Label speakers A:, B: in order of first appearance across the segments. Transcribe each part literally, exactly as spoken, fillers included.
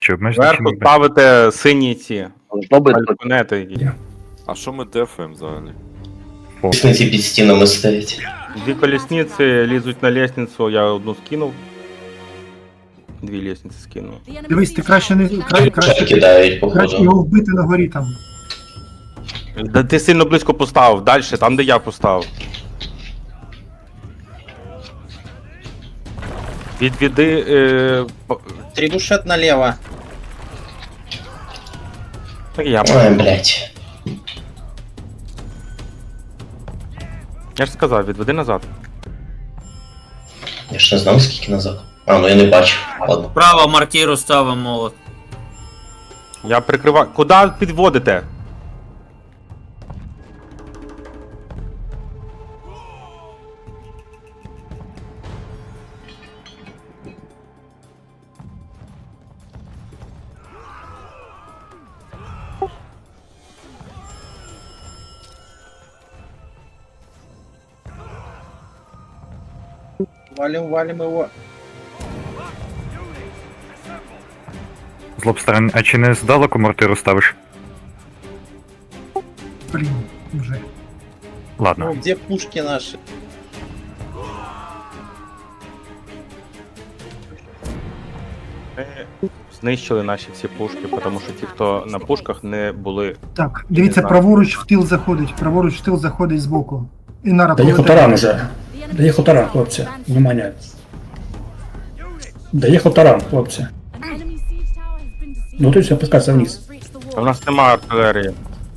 A: Чи обмежити
B: Зверху
A: чим?
B: ставите сині ці
C: Должно быть тут
B: балконети.
D: А що ми дефаємо взагалі?
C: лестниці під стінами стоять.
B: Дві колісниці лізуть на лестницю, я одну скинув. Дві лестниці скинув.
E: Дивись, ти краще не кра-
C: Ще
E: краще,
C: кидають,
E: краще
C: походу.
E: його вбити на горі там.
B: Да ти сильно близько поставив, далі, там де я поставив. Відведи. Е, по-
F: Трибушет налево.
B: так я.
C: Ой, блядь.
B: Я ж сказав, відведи назад.
C: Я ж не знав, скільки назад. А, ну я не бачу. Ладно.
G: Право мортиру ставимо молот.
B: Я прикриваю. Куди підводите?
F: Валим, валим его.
A: Злобстерен, а чи не здалеку мортиру ставиш?
E: Блін, вже.
A: Ладно.
F: Ну, где пушки наши?
B: Ми знищили наші всі пушки, тому що ті, хто на пушках, не були.
E: Так, дивіться,
B: знаю.
E: праворуч в тил заходить, праворуч в тил заходить збоку. І на
H: Доїхав таран уже. Доїхав таран, хлопці. Внимание. Доїхав таран, хлопці. Ну тут все, опускайся вниз.
B: А в нас немає артилерії.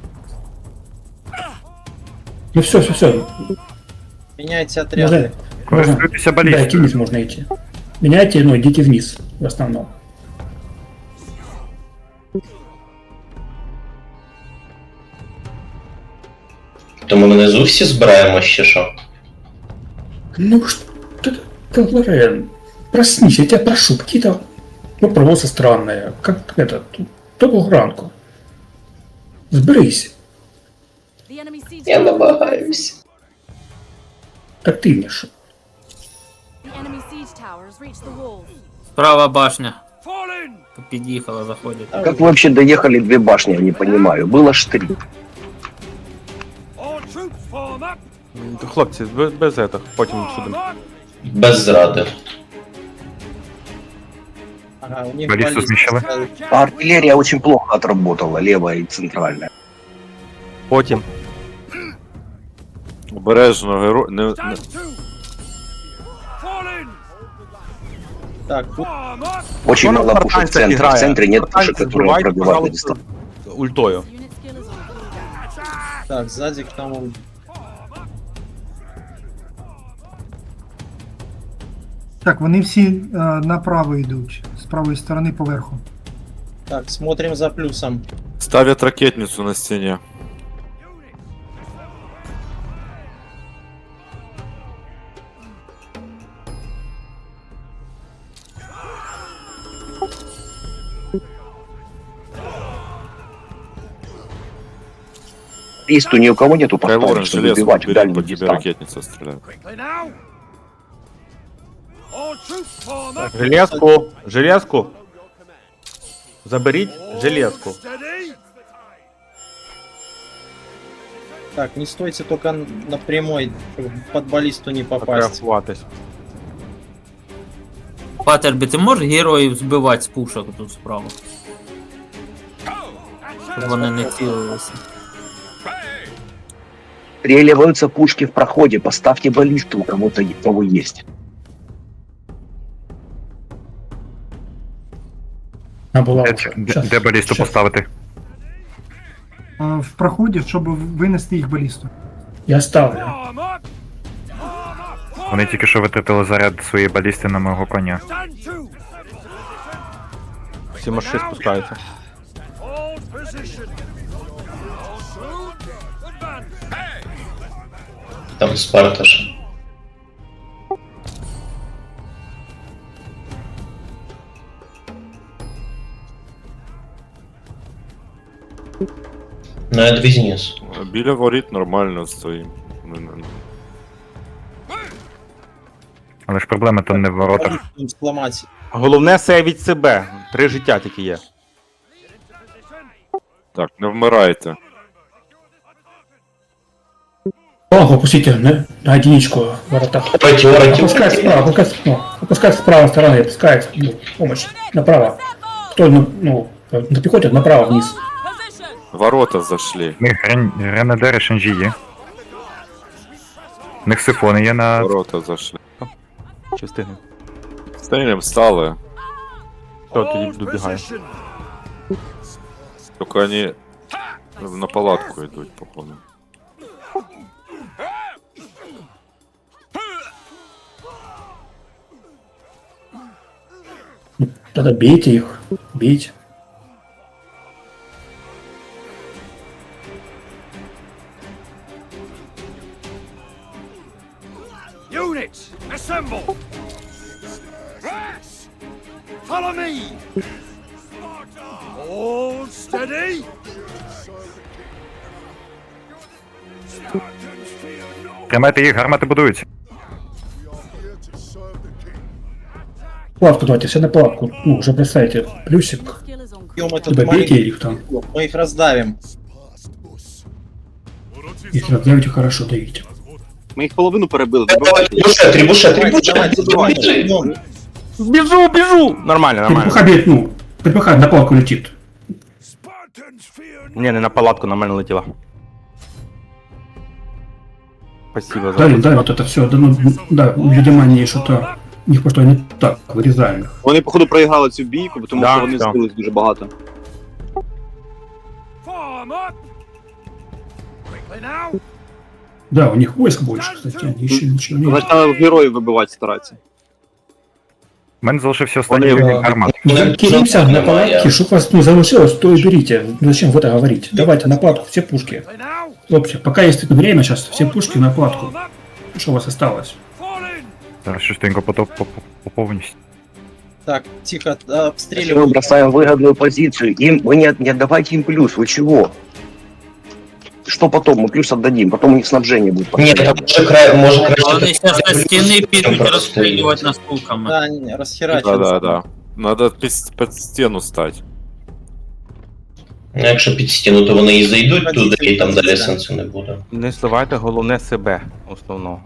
H: Ну все, все, все.
F: Меняйте отряды.
H: Можно, можно.
A: Користуйтеся
H: Да, идти
A: балістою.
H: вниз можно идти. Меняйте, но идите вниз, в основном.
C: То ми внизу всі збираємось чи що?
H: Ну что ты, Лорен, проснись, я тебя прошу, какие-то вопросы странные, как это, доброго ранку. Сберись,
C: Я намагаюсь.
H: активніше.
G: Справа башня. Під'їхала, заходить.
C: Как вы вообще доехали две башни, я не понимаю. Было ж три.
B: М, Хлопці, без, без этого, потім сюди.
C: Без зради.
F: Ага, у них
A: Баллисту
F: баллиста
A: смещала?
F: ставят.
C: А артиллерия очень плохо отработала, левая и центральная.
B: Потім.
D: Обережно, геро... Не, не...
F: Так, тут
C: Очень
B: Вона
C: мало
B: в
C: пушек в
B: спартанцях
C: центре. В
B: грає.
C: центре нет
B: Спартанці
C: пушек, которые
B: збивайте,
C: пробивают
B: пожалуйста,
C: дистанцию.
B: ультою.
F: так, сзади к тому.
E: Так, вони всі е, направо йдуть, з правої сторони поверху.
F: Так, смотрим за плюсом.
D: Ставят ракетницю на стіні.
C: Листу ни у кого нету
D: Кайлорен
C: поставить, чтобы
D: железку
C: убивать в
D: бери,
C: дальнюю
D: по тебе
C: дистанцию.
D: ракетниця стріляє.
B: Железку, железку. Заберіть железку.
F: Так, не стойте только на прямой, чтобы под баллисту не попасть.
B: Фотографуватись.
G: Патербі, ти можеш героїв збивати з пушок тут справа? Щоб вони не цілилися.
C: Стреливаются пушки в проходе, поставьте баллисту у кого-то, у кого есть.
H: Она была
A: Де,
H: уже.
A: де,
H: Щас,
A: де балісту
H: щас.
A: поставити?
E: Е, в проході, щоб винести їх балісту.
H: Я ставлю.
A: Вони тільки що витратили заряд своєї балісти на мого коня.
B: Всі марши спускаються.
C: Там Спарта же. Ну, я двизнес.
D: Біля воріт нормально стоїм. Не- не-
A: Але ж проблема то не в воротах.
F: Сломать.
B: Головне сейвіть себе. Три життя тільки є.
D: Так, не вмирайте.
H: Планку опустите на, на единичку в воротах. Опускать справа, опускать, ну, опускать с правой стороны, опускать ну, помощь направо. Кто ну, ну, на пехоте направо вниз.
D: Ворота зайшли.
A: В них Рен- Ренедери Шенжі є. В них сифони є на.
D: Ворота зайшли.
B: Чи встигне?
D: Стрілям стали.
B: Все, тоді добігаю.
D: Тільки вони на палатку йдуть, походу.
H: Тогда бейте их, бейте.
I: Units, assemble! Rats! Follow me! All steady!
A: Тримайте їх, гармати будуються.
H: Платку давайте, все на платку. Ну, уже бросайте плюсик.
F: Бьем этот
H: Либо бейте
F: маленький
H: их там.
F: блок, мы их раздавим.
H: Если раздавите, хорошо давите.
C: Ми їх половину перебили. Добивайте.
F: Давайте, давайте, давайте, бьем.
B: Біжу, біжу! Нормально, нормально.
H: Перепуха бьет, ну, перепуха на платку летит.
B: Ні, не на палатку, нормально летіла. Спасибо за...
H: Давим, давим вот это все. Да, ну, да, видимо, они что-то... У них просто не так, вырезаем их.
C: Вони, походу, проіграли цю бійку, тому
B: Да,
C: що вони
B: да.
C: збились дуже багато.
I: Form up! Quickly now!
H: Да, у них войск больше, кстати, они еще ничего не...
C: Значить, треба героїв вибивати старатися.
A: У мене залишився останній
C: Вони-
A: юніт гармат.
H: Ну, кинемся на палатки, чтоб вас ну, залишилось, то и берите. Ну, зачем в это говорить? Давайте на платку, все пушки.
I: Quickly now!
H: Хлопцы, пока есть время сейчас, все пушки на платку.
I: Form up!
H: Что у вас осталось?
I: Fall in!
A: Зараз швиденько потоп поповнюсь.
F: Так, тихо, а,
C: Если мы
F: обстреливаем.
C: бросаем выгодную позицию, им, вы не, не отдавайте им плюс, вы чего? Что потом? Мы плюс отдадим, потом у них снабжение будет.
J: Ні, там може край, може краще.
G: Вони зараз на стіни підуть
J: просто
G: розстрілювати нас пулками.
F: Да, не, расхерачим.
D: Да, да, да. Надо під, під стіну стати.
J: Ну, якщо під стіну, то вони і зайдуть туди, і там далі сенсу не буде.
B: Не сливайте головне себе, основного.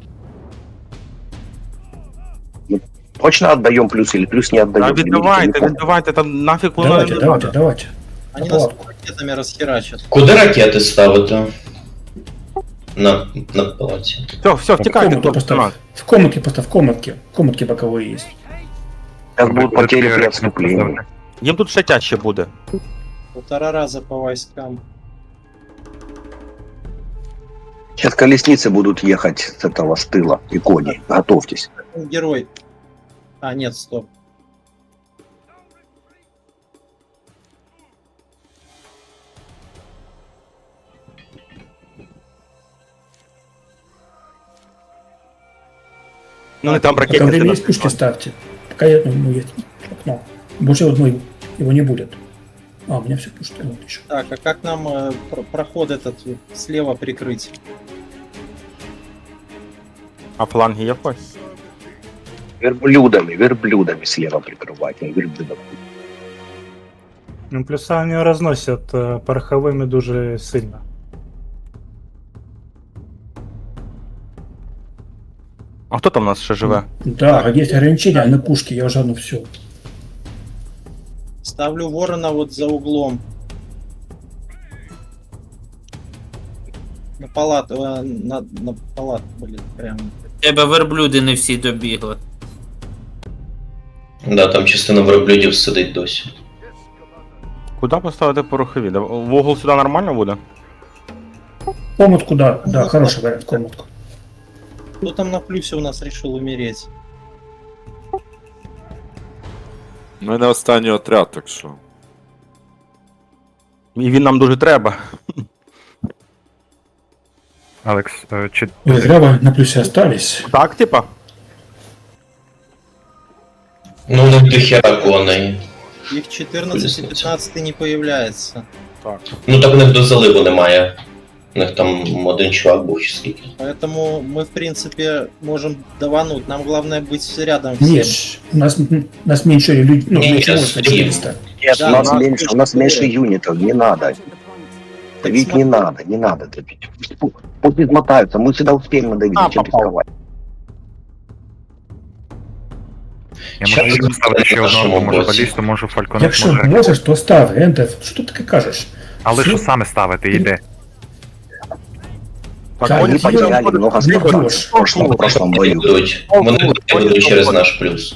C: Точно отдаем плюс или плюс не
B: Та
C: отдаем?
B: віддавайте, віддавайте, там нафіг воно
H: Давайте,
B: не
H: давайте,
B: надо.
H: давайте.
F: Они
H: На
F: нас
H: палатку.
F: ракетами расхерачат.
J: Куди ракети ставити? На, на палаці.
B: Все, все,
H: В
B: втікайте,
H: комнатке
B: хлопці,
H: поставь. В комнатке поставь, в комнатке. В комнатке боковые есть.
C: Сейчас будут потери при отступлении.
B: Їм тут ще тяжче буде.
F: Полтора раза по войскам.
C: Сейчас колесницы будут ехать с этого с тыла и кони. Готовьтесь.
F: Ну, герой. А, нет, стоп.
B: Ну не там
H: Пока
B: ракетниці
H: время
B: нас
H: есть, пушки
B: підпалять.
H: ставьте. Пока я, ну, есть окно. Больше одной его не будет. А, у меня все пушки. Вот еще.
F: Так, а как нам э, про- проход этот э, слева прикрыть?
B: А фланги є в когось?
C: Верблюдами, верблюдами слева прикрывать. не Верблюдами.
K: Ну, плюса вони розносять е, пороховими дуже сильно.
B: А хто там у нас ще живе?
H: Да, есть ограничения на пушки, я уже ну все.
F: Ставлю ворона вот за углом. На палат, э, на, на палат, блин, прям.
G: Тебе верблюди не всі добігли.
J: Да, там частина верблюдів сидить досі.
B: Куди поставити порохові? Да, в угол сюди нормально буде?
H: Комнатку, да, да, хороший вариант, комнатку.
F: Кто там на плюсе у нас решил умереть?
D: У мене останній отряд, так що.
B: І він нам дуже треба.
A: Алекс, е, чи
H: Вы зря вы на плюсе остались.
B: Так, типа?
J: Ну, не до хера коней.
F: Их четырнадцать и пятнадцать не появляется.
J: Ну так в них до заливу немає. У них там один чувак був чи скільки.
F: Поэтому мы, в принципе, можем давануть. Нам главное быть рядом всем.
H: Нет, у нас, у нас меньше людей, ну,
J: Не,
H: меньше
J: нет,
H: войск на
J: стрим.
H: четыреста.
C: Нет,
F: Да,
C: у нас
F: да.
C: меньше, у нас меньше юнитов, не надо. Давить
F: смотри.
C: не надо, не надо давить. Пу- Пусть измотаются, мы всегда успеем надавить,
B: А,
C: зачем
B: попал.
C: рисковать?
A: Я
J: Щас
A: можу поставити ще
J: на
A: одного,
J: нашому
A: може
J: боці.
A: балісту, можу фальконет,
H: Якщо
A: може.
H: можеш, то став, Ентес. Що ти таке кажеш?
A: Але що
H: Всю-
A: саме ставити, йде?
B: Так,
H: Да,
B: вони
H: я-
C: Потеряли
B: потім
C: много
B: будуть-
C: спартанцев
H: Бьешь.
C: в прошлом, в прошлом бою.
J: Будуть. Вони будуть через наш плюс.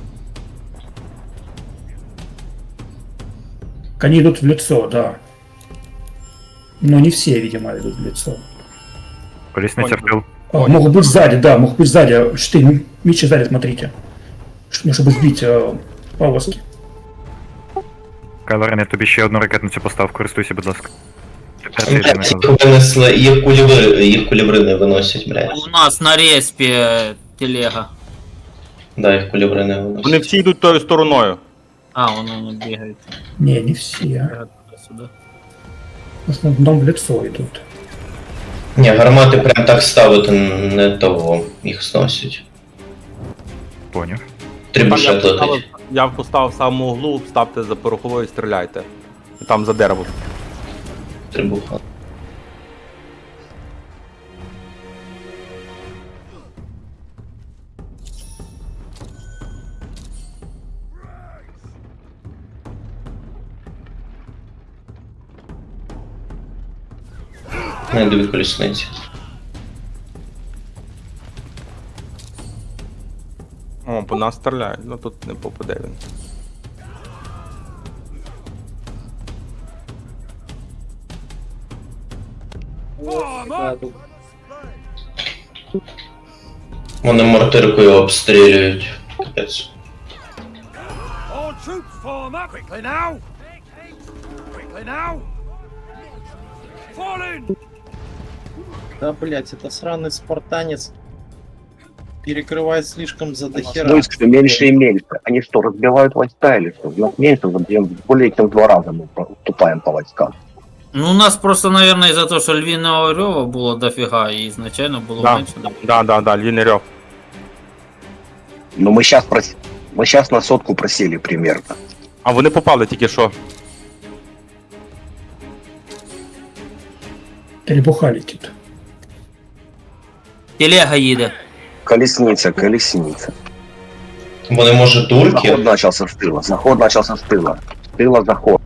H: Они идут в лицо, да. Но не все, видимо, идут в лицо.
A: Колісниця в тил.
H: А, могут быть сзади, да, могут быть сзади. Четыре мечи сзади, смотрите. Ш- Ну, чтобы сбить э, повозки.
A: Кайлорен, я тобі ще одну ракетницю постав, користуйся, будь ласка. П'ятий єдиний
J: Блядь,
A: раз.
J: їх винесли, їх куліври, їх куліври не виносять, блядь.
G: У нас на респі телега.
J: Да, їх куліври не
B: Вони
J: виносять.
B: всі йдуть тою стороною.
G: А, вон вони бігають.
H: Не, не все.
G: Туди-сюди.
H: В основном в лицо идут.
J: Ні, гармати прям так ставити не того, їх зносять.
A: Поняв.
B: Там я
J: Трибушет
B: поставив,
J: летить.
B: я поставив в самому углу, ставте за пороховою і стріляйте. Там за дерево.
J: Трибуха. Не йду від колісниці.
B: О, по нас стріляють, ну тут не попаде він.
F: Да, тут
J: Вони мортиркою обстрілюють. Капець.
I: All troops form up. Quickly now. Quickly now. Fall in.
F: Да, блять, это сраный спартанец перекрывает слишком за дохера.
C: Войск все меньше и меньше. Они что, разбивают войска или что? У нас меньше, более чем в два раза мы уступаем по войскам.
G: Ну, у нас просто, наверное, из-за того, що львіного рьова було дофіга, і ізначально було
B: Да.
G: менше. Да.
B: Да, да, да, львіний рьов.
C: Но мы сейчас прос... мы сейчас на сотку просели примерно.
B: А вони попали тільки що.
H: Требуха летит.
G: Телега їде.
C: Колесница, колесница.
J: Вони, може, турки?
C: Заход начался с тыла. Заход начался с тыла. С тыла заход.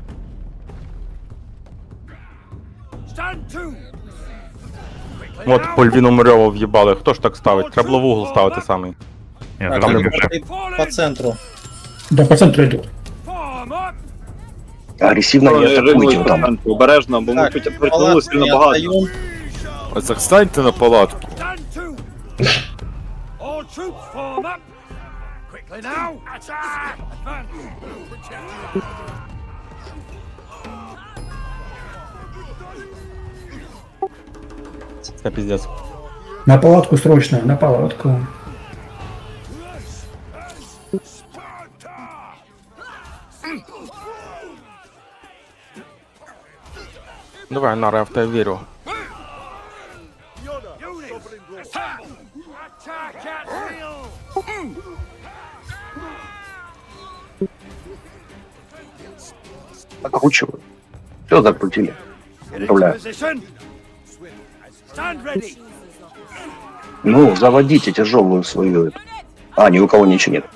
I: Stand to. Quickly
B: От
I: now.
B: по львіному рьову в'їбали. Хто ж так ставить? Треба було в угол ставити самий.
A: Я
F: Так,
A: зрозумів
F: там
A: вже.
F: ты по центру.
H: Да, по центру идут.
I: Form up.
C: Агрессивно не атакуйте там.
D: Обережно, бо ми
F: Так,
D: тут притягнули сильно
F: не
D: багато.
F: отдаем.
D: Ось так станьте на палатку.
I: Stand to. All troops form up. Quickly now. Attack. Advance.
B: Це піздець.
H: На палатку срочно, на палатку.
B: Давай, Нара, я в тебе вірю.
I: Units. Assemble. Attack at will.
C: Окручивают. Все закрутили.
I: Get into
C: Управляю.
I: position. Stand ready.
C: Ну, заводите тяжелую свою эту. А, ни у кого ничего нет.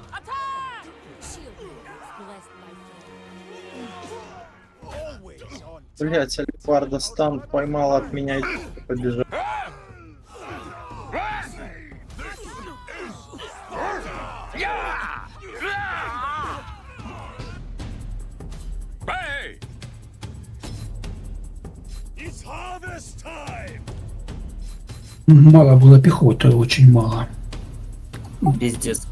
F: Блять, Альфарда стан поймал от меня и побежал.
I: It's harvest time.
H: Мало было пехоты, очень мало.
G: Піздець.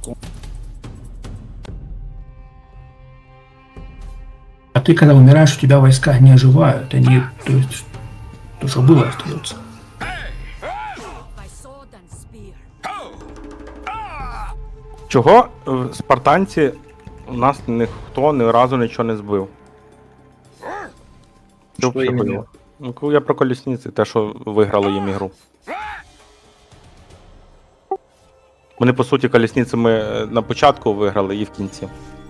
H: А ты, когда умираешь, у тебя войска не оживают. Они, то есть, то, что было, остается.
B: Чого е, спартанці у нас ніхто ні разу нічого не збив?
F: Що
B: взагалі
F: іменно?
B: було? Ну, коли я про колісниці, те, що виграли їм ігру. Вони, по суті, колісницями на початку виграли і в кінці.